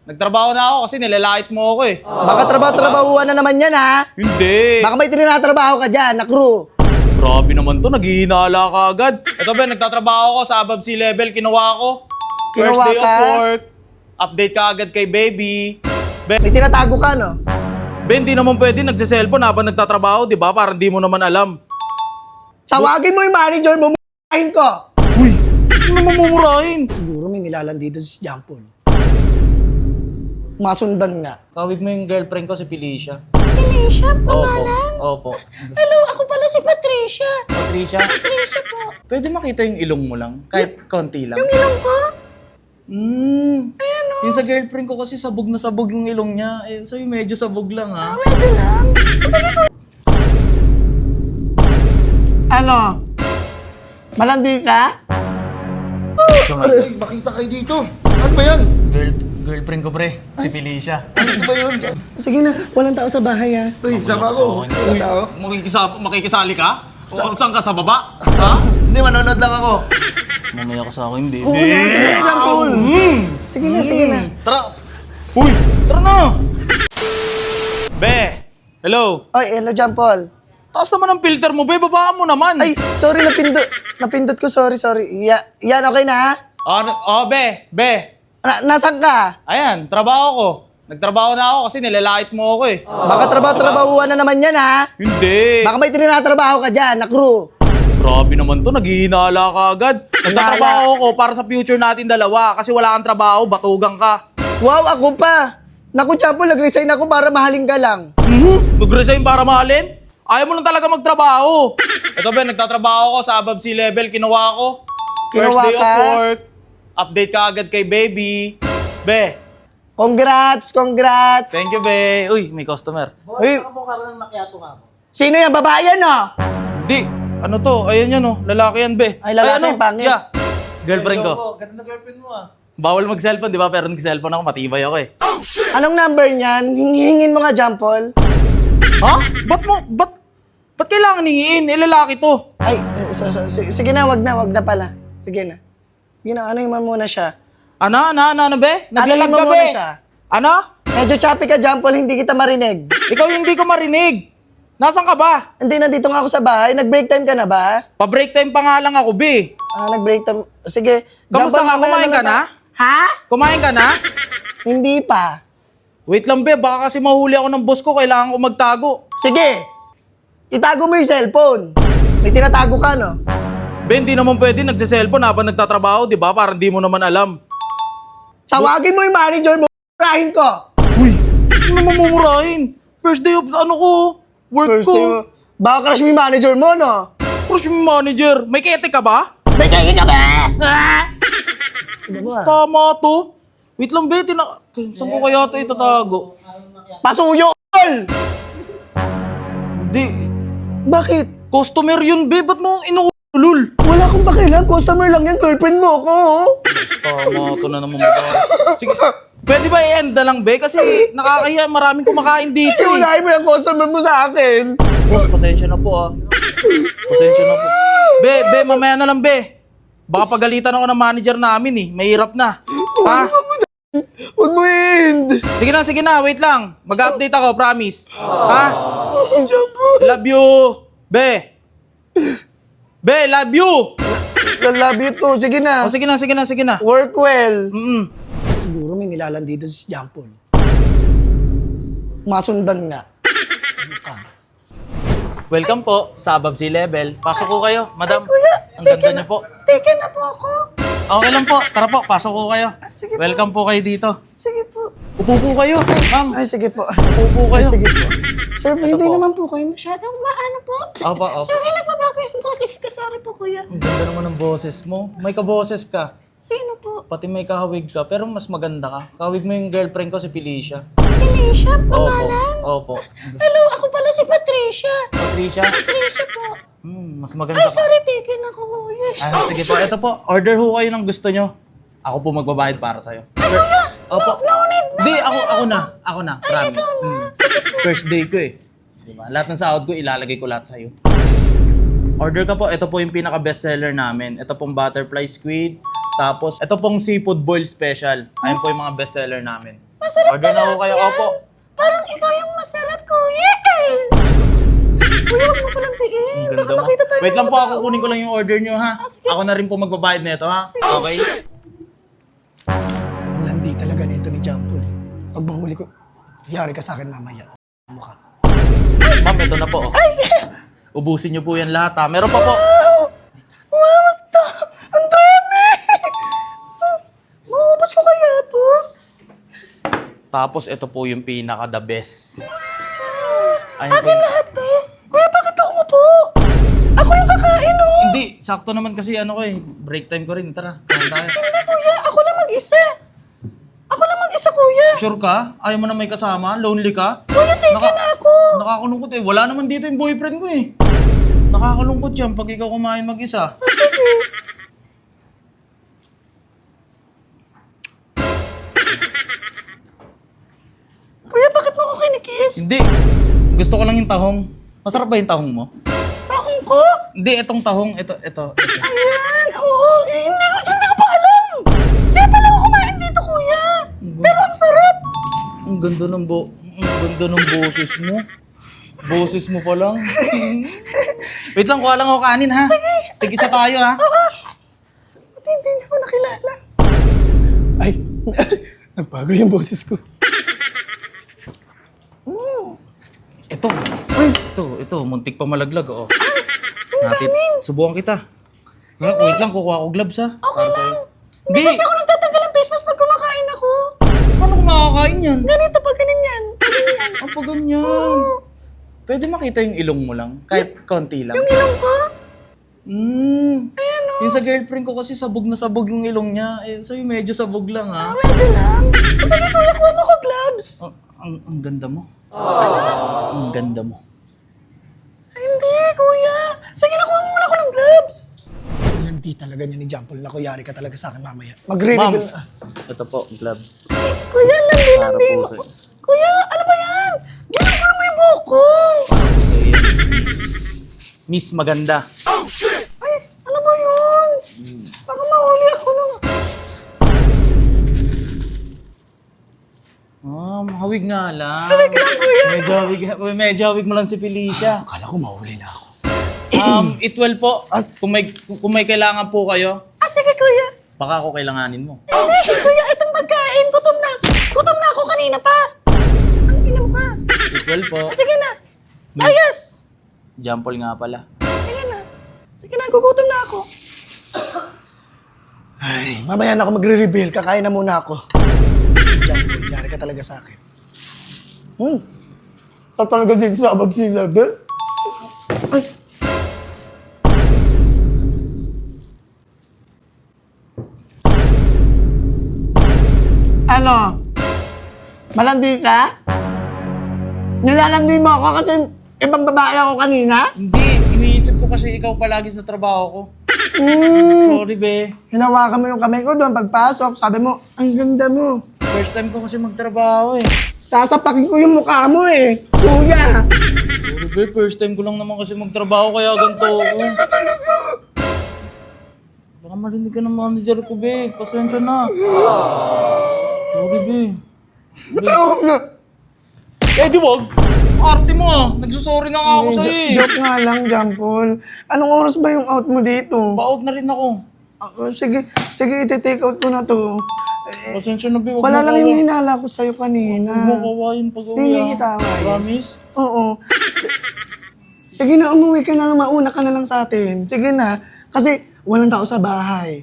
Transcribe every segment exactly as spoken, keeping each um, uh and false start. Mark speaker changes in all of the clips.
Speaker 1: Nagtrabaho na ako kasi nilalait mo ako eh.
Speaker 2: Baka trabaho-trabahuan na naman yan, ha?
Speaker 1: Hindi.
Speaker 2: Baka may tinatrabaho ka dyan na crew.
Speaker 1: Grabe naman to, naghihinala ka agad. Ito ba, nagtatrabaho ako sa above sea level, kinuha ko. First
Speaker 2: Kinuha
Speaker 1: day
Speaker 2: ka?
Speaker 1: of work. Update ka agad kay baby. Be,
Speaker 2: May tinatago ka, no?
Speaker 1: be hindi naman pwede nagsiselfon habang nagtatrabaho, di ba? Parang di mo naman alam.
Speaker 2: Tawagin mo yung manager mo, m***ahin ko.
Speaker 1: Uy, ano naman mumurahin?
Speaker 2: Siguro may nilalan dito si John Paul. Masundan nga.
Speaker 1: Kawig mo yung girlfriend ko si Felicia.
Speaker 3: Felicia,
Speaker 1: Opo,
Speaker 3: pangalan?
Speaker 1: opo.
Speaker 3: Hello, ako pala si Patricia.
Speaker 1: Patricia,
Speaker 3: Patricia po.
Speaker 1: pwede makita yung ilong mo lang? Kahit konti lang.
Speaker 3: Yung ilong ko?
Speaker 1: Hmm. Yung sa girlfriend ko kasi sabog na sabog yung ilong niya. Eh, sa'yo medyo sabog lang ha.
Speaker 3: Medyo lang. Sige po.
Speaker 2: Ano? Malandi ka?
Speaker 4: Ay, makita kayo dito. Ano ba yan?
Speaker 1: Girl, girlfriend ko pre, si Felicia.
Speaker 4: Ano ba yun?
Speaker 2: Sige na, walang tao sa bahay, ha?
Speaker 4: Uy, sama ko. Wala tao.
Speaker 1: Makikisa, makikisali ka? O saan ka sa baba? Ha?
Speaker 4: Hindi, manonood lang ako.
Speaker 1: Mamaya ka sa akin, baby.
Speaker 2: Oo na, sige na, John Paul. Sige na, sige na.
Speaker 1: Tara! Uy! Tara na! Be! Hello!
Speaker 2: Oy, hello, John Paul.
Speaker 1: Taas naman ang filter mo, be. Babaan mo naman.
Speaker 2: Ay, sorry, napindot. Napindot ko, sorry, sorry. Ya, yan, okay na, ha?
Speaker 1: Oh, n- oh, be! Be!
Speaker 2: Na, nasaan ka?
Speaker 1: Ayan, trabaho ko. Nagtrabaho na ako kasi nilalait mo ako eh.
Speaker 2: Baka trabaho-trabahuan na naman yan, ha?
Speaker 1: Hindi.
Speaker 2: Baka may tinatrabaho ka dyan na crew.
Speaker 1: Grabe naman to, naghihinala ka agad. Nagtatrabaho ko para sa future natin dalawa kasi wala kang trabaho, batugang ka.
Speaker 2: Wow, ako pa. Naku, John Paul, nag-resign ako para mahalin ka lang.
Speaker 1: Mhm. Mag-resign para mahalin? Ayaw mo lang talaga magtrabaho. Ito ba, nagtatrabaho ko sa above sea level, kinuha ko. First
Speaker 2: Kinuha
Speaker 1: day
Speaker 2: ka?
Speaker 1: of work. Update ka agad kay baby. Be,
Speaker 2: Congrats, congrats.
Speaker 1: thank you, be. Uy, may customer.
Speaker 2: Uy, sino yan? Babae yan, no?
Speaker 1: Di, ano to? Ayan yan, oh. Lalaki yan, be.
Speaker 2: Ay, lalaki
Speaker 1: ano?
Speaker 2: yung pangit.
Speaker 1: Yeah. Girlfriend ko.
Speaker 4: Ganda na girlfriend mo ah.
Speaker 1: Bawal mag-cellphone, di ba? Pero nag-cellphone ako, matibay ako eh.
Speaker 2: Anong number niyan? Hingin mo nga, John Paul.
Speaker 1: Ha? Ba't mo, ba't, ba't kailangan hingiin? Eh, lalaki to.
Speaker 2: Ay, eh, so, so, sige, sige na, wag na, wag na pala. Sige na. Sige na, ano mo muna siya?
Speaker 1: Ano, ano, ano, ano, be? Naglalag
Speaker 2: Ano
Speaker 1: ka,
Speaker 2: mo
Speaker 1: be?
Speaker 2: muna siya?
Speaker 1: Ano?
Speaker 2: Medyo choppy ka, John Paul, hindi kita marinig.
Speaker 1: Ikaw yung hindi ko marinig. Nasaan ka ba?
Speaker 2: Hindi, nandito nga ako sa bahay. Nag-break time ka na ba?
Speaker 1: Pa-break time pa nga lang ako, be.
Speaker 2: Ah, nag-break time. Sige.
Speaker 1: Kamusta
Speaker 2: John Paul,
Speaker 1: nga?
Speaker 2: mamaya
Speaker 1: Kumain ka na?
Speaker 2: Ha?
Speaker 1: Kumain ka na?
Speaker 2: Hindi pa.
Speaker 1: Wait lang, be. Baka kasi mahuli ako ng boss ko. Kailangan ko magtago.
Speaker 2: Sige. Itago mo yung cellphone. May tinatago ka, no?
Speaker 1: Be, hindi naman pwede nagsiselfon habang nagtatrabaho, di ba? Parang di mo naman alam.
Speaker 2: Tawagin mo yung manager mo, rahin ko.
Speaker 1: Uy! Ano naman mumurahin? First day of ano ko? Work
Speaker 2: First
Speaker 1: ko.
Speaker 2: thing, baka crush mo yung manager mo, no?
Speaker 1: Crush mo manager. May kete ka ba?
Speaker 2: May kaya ka ba? Ano ba?
Speaker 1: Tama to. Wait lang, be. Tina... Saan ko kaya ito itatago?
Speaker 2: Pasuyo, all!
Speaker 1: Hindi.
Speaker 2: Bakit?
Speaker 1: Customer yun, be. Ba't mo inuulul?
Speaker 2: Wala akong pakialam. Customer lang yan. Girlfriend mo ako. oh.
Speaker 1: Tama to na naman magawa. Sige. Pwede ba i-end na lang, be? Kasi nakakahiya. Maraming kumakain dito, eh.
Speaker 2: Iunahin mo yung customer mo sa akin.
Speaker 1: Boss, pasensya na po, ah. Pasensya na po. Be, be, mamaya na lang, be. Baka pagalitan ako ng manager namin, eh. Mahirap na. Ha?
Speaker 2: Huwag mo i-end.
Speaker 1: Sige na, sige na. Wait lang. Mag-update ako, promise. Ha?
Speaker 2: John Paul.
Speaker 1: Love you. Be. Be, love you.
Speaker 2: I love you too. Sige na.
Speaker 1: Oh, sige na, sige na, sige na.
Speaker 2: Work well.
Speaker 1: Mm-mm.
Speaker 2: Siguro may nilalan dito si John Paul. Masundan nga.
Speaker 1: Welcome po sa Above Sea Level. Pasok ko kayo, madam.
Speaker 3: Kuya,
Speaker 1: Ang ganda niyo po.
Speaker 3: Teke na po ako.
Speaker 1: Okay lang po. Tara po, pasok ko kayo.
Speaker 3: sige po.
Speaker 1: Welcome po kayo dito.
Speaker 3: Sige po.
Speaker 1: Upo po kayo, ma'am.
Speaker 2: Ay, sige po.
Speaker 1: Upo po
Speaker 2: Ay,
Speaker 1: kayo.
Speaker 2: sige po. Sir, hindi
Speaker 1: po.
Speaker 2: naman po kayo masyado.
Speaker 3: Masyadong maano po.
Speaker 1: Opo, opo.
Speaker 3: Sorry lang pa bago yung boses ko. Sorry po, kuya.
Speaker 1: Ang ganda naman ng boses mo. May kaboses ka.
Speaker 3: Sino po?
Speaker 1: Pati may kahawig ka, pero mas maganda ka. Kahawig mo yung girlfriend ko, si Felicia.
Speaker 3: Felicia,
Speaker 1: Opo,
Speaker 3: pangalan?
Speaker 1: opo.
Speaker 3: Hello, ako pala si Patricia.
Speaker 1: Patricia,
Speaker 3: Patricia po.
Speaker 1: hmm, mas maganda
Speaker 3: Ay,
Speaker 1: ka.
Speaker 3: sorry, teke na ako, kuya.
Speaker 1: Ah, sige po, ito po. Order ho kayo ng gusto nyo. Ako po magbabayad para sa'yo.
Speaker 3: Ay, kuya!
Speaker 1: Opo.
Speaker 3: No, no need na.
Speaker 1: Di, ako, ako na. Ako na.
Speaker 3: Ay,
Speaker 1: Promise.
Speaker 3: ikaw na.
Speaker 1: Hmm.
Speaker 3: Sige po.
Speaker 1: First day ko eh. Diba? Lahat ng sahod ko, ilalagay ko lahat sa'yo. Order ka po. Ito po yung pinaka-bestseller namin. Ito pong butterfly squid. Tapos, ito pong seafood boil special. Ayun po yung mga bestseller namin.
Speaker 3: Masarap
Speaker 1: Order na
Speaker 3: ba
Speaker 1: ako kayo,
Speaker 3: lahat
Speaker 1: opo.
Speaker 3: yan? Parang ikaw yung masarap, kuya eh. Kuya, huwag mo ko lang tiin.
Speaker 1: Ang
Speaker 3: Baka
Speaker 1: ganda mo.
Speaker 3: makita tayo
Speaker 1: Wait
Speaker 3: ng
Speaker 1: lang po,
Speaker 3: mga
Speaker 1: ako
Speaker 3: tao.
Speaker 1: kunin ko lang yung order nyo ha.
Speaker 3: Ah, sige.
Speaker 1: Ako na rin po magbabayad na ito ha.
Speaker 3: Sige.
Speaker 1: Okay?
Speaker 2: Ang landi talaga nito ni Jampol eh. Pag mahuli ko, yari ka sa akin mamaya. Mukha.
Speaker 1: Ma'am, ito na po. oh. Ubusin nyo po yan lahat ha. Meron pa po.
Speaker 2: Wow, basta! Ang dami! Maubos ko kaya to?
Speaker 1: Tapos ito po yung pinaka the best. Ayun po.
Speaker 3: Akin lahat to. Kuya, bakit ako mo po? Ako yung kakain oh.
Speaker 1: Hindi, sakto naman kasi ano ko eh. Break time ko rin. Tara, kain tayo.
Speaker 3: Hindi kuya, ako lang mag-isa. Ako lang mag-isa kuya.
Speaker 1: Sure ka? Ayaw mo na may kasama? Lonely ka?
Speaker 3: Kuya, take
Speaker 1: Naka-
Speaker 3: na ako.
Speaker 1: Nakakalungkot eh. Wala naman dito yung boyfriend ko eh. Nakakalungkot yan pag ikaw kumain mag-isa.
Speaker 3: Sige. Kuya, bakit mo ako kinikiss?
Speaker 1: Hindi. Gusto ko lang yung tahong. Masarap ba yung tahong mo?
Speaker 3: Tahong ko?
Speaker 1: Hindi, itong tahong. Ito, ito. ito.
Speaker 3: Ayan, oo. Eh, hindi ko, hindi ko pa alam. Kaya pala ako kumain dito, kuya. Pero ang sarap.
Speaker 1: Ang ganda ng bo... Ang ganda ng boses mo. Boses mo pa lang. Wait lang, kuha lang ako kanin ha. Sige. Tig-isa tayo ha.
Speaker 3: Buti hindi niya ako nakilala.
Speaker 2: Ay, nagbago yung boses ko.
Speaker 1: Ito.
Speaker 2: Uy,
Speaker 1: Ito, ito. Muntik pa malaglag. Oh. Natin. Subukan kita. Wait, wait lang, kukuha ko gloves ha.
Speaker 3: Okay lang.
Speaker 1: Hindi.
Speaker 3: Hindi kasi ako nagtatanggal ng face mask pag kumakain ako.
Speaker 1: Paano ko makakain yan?
Speaker 3: Ganito pag ganyan. Pag ganyan.
Speaker 1: Ang pa ganyan. Pwede makita yung ilong mo lang? Kahit konti lang.
Speaker 3: Yung ilong ko?
Speaker 1: Hmm. Yung sa girlfriend ko kasi sabog na sabog yung ilong niya. Eh, sa'yo medyo sabog lang ha.
Speaker 3: Ah, medyo lang. Sige kuya, kuha mo ko gloves.
Speaker 1: Oh, ang, ang ganda mo. Ang ganda mo.
Speaker 3: Ay, hindi, kuya. Sige, nakuha mo muna ako ng gloves.
Speaker 2: ang landi talaga niya ni Jampol. Naku, yari ka talaga sa akin mamaya.
Speaker 1: Ma'am,
Speaker 2: Magre-reveal. Ah,
Speaker 1: ito po, gloves.
Speaker 3: Kuya, landi-landi
Speaker 1: Para
Speaker 3: mo.
Speaker 1: po sa'yo.
Speaker 3: Kuya, ano ba yan? Ginugulo mo yung buhok ko.
Speaker 1: Miss. Miss maganda.
Speaker 3: Ay, ano ba yun? Baka mahuli ako nung...
Speaker 1: Ah, mahawig nga lang. Hawig lang, kuya. Medyo hawig, medyo hawig mo lang si Felicia.
Speaker 2: akala ko mahuli na ako.
Speaker 1: Um, itwell po. Kung may, kung may kailangan po kayo,
Speaker 3: Ah, sige, kuya.
Speaker 1: baka ako kailanganin mo.
Speaker 3: Hindi, kuya, itong pagkain. Gutom na. Gutom na ako kanina pa. Ang ina mo ka.
Speaker 1: Itwell po.
Speaker 3: Ah, sige na.
Speaker 1: Miss.
Speaker 3: Ah, yes.
Speaker 1: Jampol nga pala.
Speaker 3: Sige na. Sige na, gugutom na ako.
Speaker 2: Ay, mamaya na ako magre-reveal. Kakain na muna ako. Jampol, yari ka talaga sa akin. Hmm. Sa talaga dito sa above sea level? Ay. Ano? Malandi ka? Nilalandi mo ako kasi ibang babae ako kanina?
Speaker 1: Hindi, iniisip ko kasi ikaw palagi sa trabaho ko.
Speaker 2: Hmm.
Speaker 1: Sorry, be.
Speaker 2: Hinawakan mo yung kamay ko doon pagpasok. Sabi mo, ang ganda mo.
Speaker 1: First time ko kasi magtrabaho eh.
Speaker 2: Sasapakin ko yung mukha mo eh. Kuya!
Speaker 1: Sorry, be. First time ko lang naman kasi magtrabaho kaya ganito ako. Baka marinig ka ng manager ko, be. Pasensya na. Sorry, be.
Speaker 2: Matawag na.
Speaker 1: Eh, di wag. Arte mo ah. Nagsusorry na nga ako
Speaker 2: Eh,
Speaker 1: sa'yo
Speaker 2: jo-
Speaker 1: eh.
Speaker 2: joke nga lang, Jampol. Anong oras ba yung out mo dito?
Speaker 1: Ba-out na rin ako.
Speaker 2: Ah, oh, sige, sige, iti-take out ko na to. Eh,
Speaker 1: Pasensya na, be. Wag
Speaker 2: wala
Speaker 1: mo
Speaker 2: lang
Speaker 1: kawa-
Speaker 2: yung hinala ko sa'yo kanina.
Speaker 1: Huwag mo kawain pag-uwi
Speaker 2: Hindi
Speaker 1: ah.
Speaker 2: kita kawain.
Speaker 1: Promise?
Speaker 2: Oo. Si- sige na, umuwi ka na lang. Mauna ka na lang sa atin. Sige na. Kasi walang tao sa bahay.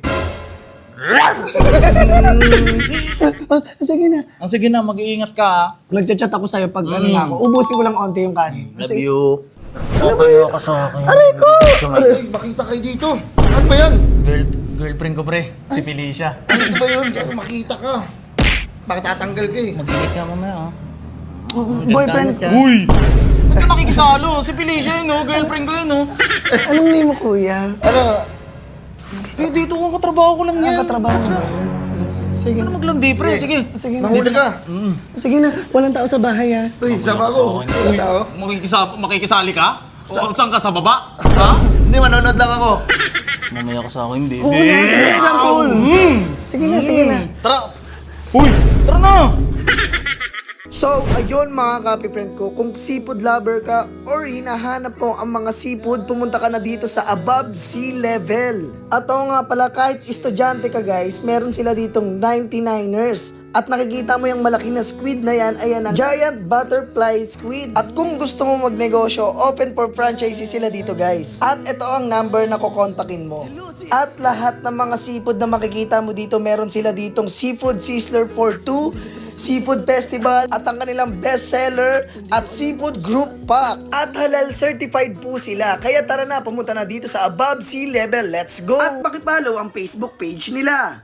Speaker 2: Oh, sige na.
Speaker 1: Ang sige na, mag-iingat ka ah.
Speaker 2: Nagchat-chat ako sa'yo pag ano na ako. Ubusin ko lang onti yung kanin.
Speaker 1: Love
Speaker 2: Kasi,
Speaker 1: you. Kakayo ka sa akin.
Speaker 3: Aray ko!
Speaker 4: Ay, makita kayo dito. Ano ba yan?
Speaker 1: Girl, girlfriend ko pre, si Felicia.
Speaker 4: Ano ba yun? Ano makita ka? Bakit tatanggal ka eh?
Speaker 1: Mag-ingat ka mamaya ah.
Speaker 2: boyfriend ka.
Speaker 1: Uy! Ba't ka nakikisalo? Si Felicia yun oh, girlfriend ko yun oh.
Speaker 2: Anong name mo, kuya?
Speaker 4: Ano?
Speaker 1: Eh, dito ko katrabaho ko lang
Speaker 2: Ang
Speaker 1: yan.
Speaker 2: katrabaho mo ba yun? Sige
Speaker 1: Ano
Speaker 2: na.
Speaker 1: maglandi pre, sige.
Speaker 2: Sige na.
Speaker 4: Mahuli ka.
Speaker 2: Sige na. Walang tao sa bahay, ha?
Speaker 4: Uy, sama ko. Wala tao.
Speaker 1: Makikisa, makikisali ka? O saan ka, sa baba? Ha?
Speaker 4: Hindi, manonood lang ako.
Speaker 1: Mamaya ka sa akin, baby.
Speaker 2: Oo na, sige lang, Paul. Sige na, sige na.
Speaker 1: Tara! Uy! Tara na!
Speaker 2: So, ayun mga kapi friend ko, kung seafood lover ka or hinahanap mo ang mga seafood, pumunta ka na dito sa Above Sea Level. At oo nga pala, kahit estudyante ka guys, meron sila ditong ninety-niners. At nakikita mo yung malaki na squid na yan, ayan ang giant butterfly squid. At kung gusto mo magnegosyo, open for franchise sila dito guys. At ito ang number na kukontakin mo. At lahat ng mga seafood na makikita mo dito, meron sila ditong Seafood Sizzler for two, Seafood Festival, at ang kanilang bestseller at Seafood Group Pack. At halal certified po sila. Kaya tara na, pumunta na dito sa Above Sea Level. Let's go! At pakipollow ang Facebook page nila.